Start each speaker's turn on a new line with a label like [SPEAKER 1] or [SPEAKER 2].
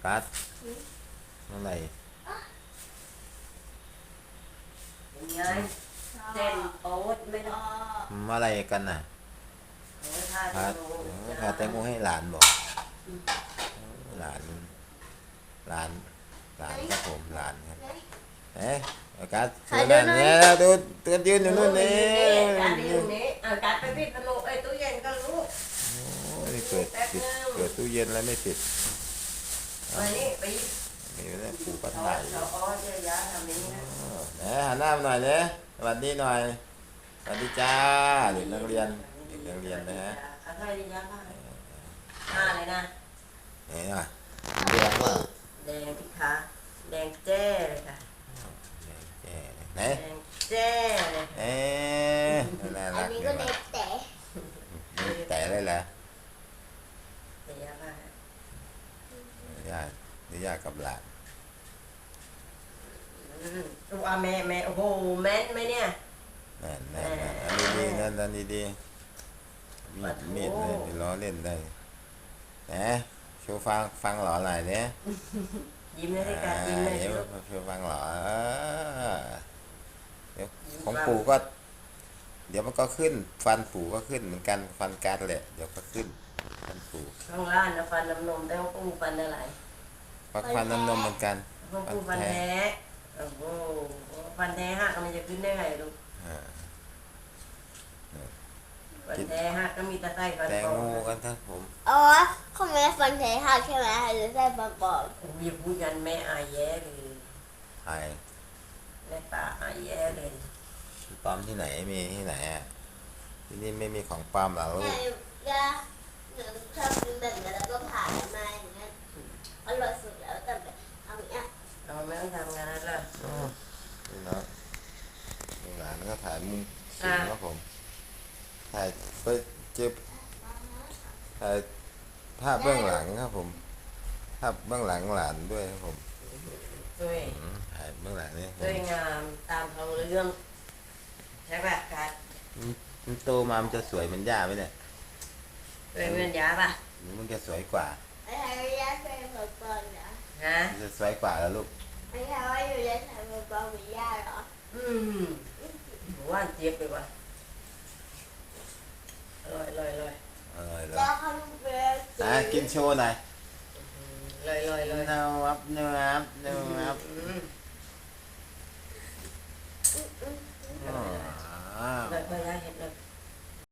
[SPEAKER 1] กัสเมื่อไหร่
[SPEAKER 2] ยังไงเส้นโอ๊ตไม่ต้อง
[SPEAKER 1] เมื่อไหร่กันน่ะพัดพาแตงโมให้หลานบอกหลานหลานหลานครับผมหลานครับเอ๊ะกัสเชิญหลานเนี่ยดูตัวยืนอยู่นู่นนี่
[SPEAKER 2] การไปอยู่นี้การไปปิดประตูตู้เย็นก็รู้
[SPEAKER 1] โอ้ยเปิดตู้เย็นแล้วไม่ติด
[SPEAKER 2] ไปนี่ไป
[SPEAKER 1] นี่นะปู่ก็ถ่าย
[SPEAKER 2] เราอ้อเยอะแยะทำนี้นะ
[SPEAKER 1] หันหน้ามาหน่อยเนี่ยสวัสดีหน่อยสวัสดีจ้าเด็กนักเรียนนะฮะ
[SPEAKER 2] อะไรดีจ้าเลยนะ
[SPEAKER 1] นี่นะแดงว่า
[SPEAKER 2] แดงที่ขาแดงแจ้เลยค่ะ
[SPEAKER 1] แดงไหน
[SPEAKER 2] แดงแจ้เลย
[SPEAKER 1] น่ารัก
[SPEAKER 3] อันนี้ก็เด็ก
[SPEAKER 1] แต่เลยแหละ
[SPEAKER 2] เดี๋ยวค่ะ
[SPEAKER 1] ญาติกับหลาน
[SPEAKER 2] ว่าแม่โอ้โหแม่นไหมเนี่ย
[SPEAKER 1] นั่นอันนี้ดีนั่นดีมีดเลยล้อเล่นได้นะโชว์ฟังหล่อหน่อยเนี่ย
[SPEAKER 2] ยิ้มเลยดิการยิ้มเลย
[SPEAKER 1] โชว์ฟังหล่อเดี๋ยวของปู่ก็เดี๋ยวมันก็ขึ้นฟันปู่ก็ขึ้นเหมือนกันฟันการแหละเดี๋ยวก็ขึ้นฟันปู่
[SPEAKER 2] ข้างล่างนะฟันน้ำนมแต่ว่าปู่ฟันอะไร
[SPEAKER 1] ฟันน้ำนมเหมือนกัน
[SPEAKER 2] ปู่ฟันแท้โอ้โหฟันแท้หักมันจะขึ้นได้ไงลูกฟันแท้หักก็มีตะไคร้ฟัน
[SPEAKER 1] แตงโมกันครับผม
[SPEAKER 3] อ๋อเขาไม่ได้ฟันแท้หักใช่ไหมหรือใช่ฟันปลอม
[SPEAKER 2] อย่าพูดกันแม่อายแย่เลย
[SPEAKER 1] ใช่
[SPEAKER 2] แม่ป่าอายแย่เลย
[SPEAKER 1] ปลอมที่ไหนมีที่ไหนอ่ะที่นี่ไม่มีของปลอมหรอกลูก
[SPEAKER 3] ย่าหนูชอบกินแบบนี้แล้วก็ผ่านมาอย่างเงี้ยอร่อยสุดแล้วแต่ทำอย่างเงี้ย
[SPEAKER 2] เราไม่ต้องทำงานแล้ว
[SPEAKER 1] นี่เนาะหลานก็ถ่ายมุมสูงครับผมถ่ายไปเจ็บถ่ายภาพเบื้องหลังครับผมภาพเบื้องหลังหลานด้วยครับผม
[SPEAKER 2] ด้วย
[SPEAKER 1] ถ่ายเบื้องหลังนี่
[SPEAKER 2] ด้วยงามตามเขาเรื่องใช่ป่ะการ
[SPEAKER 1] มันโตมามันจะสวยเหมือนย่าไหมเนี่ย
[SPEAKER 2] สวยเหมือนย่าป่ะ
[SPEAKER 1] มันจะสวยกว่า
[SPEAKER 3] ไอ้ทายย่าใส่หมวกปลอมนะ
[SPEAKER 1] จะสวยกว่าแล้วลูก
[SPEAKER 3] ไอ้ทายว่าอยู่ในใส่หมวกปลอมเหมือนย่าเหรอ
[SPEAKER 2] ว่าเจี๊ยบไปว่ะอร่อย
[SPEAKER 3] แล้วเขาเป็น
[SPEAKER 1] กินโชว์หน่อย
[SPEAKER 2] ลอย
[SPEAKER 1] เนื้อเนื้อ
[SPEAKER 2] ได้เห็นแล้ว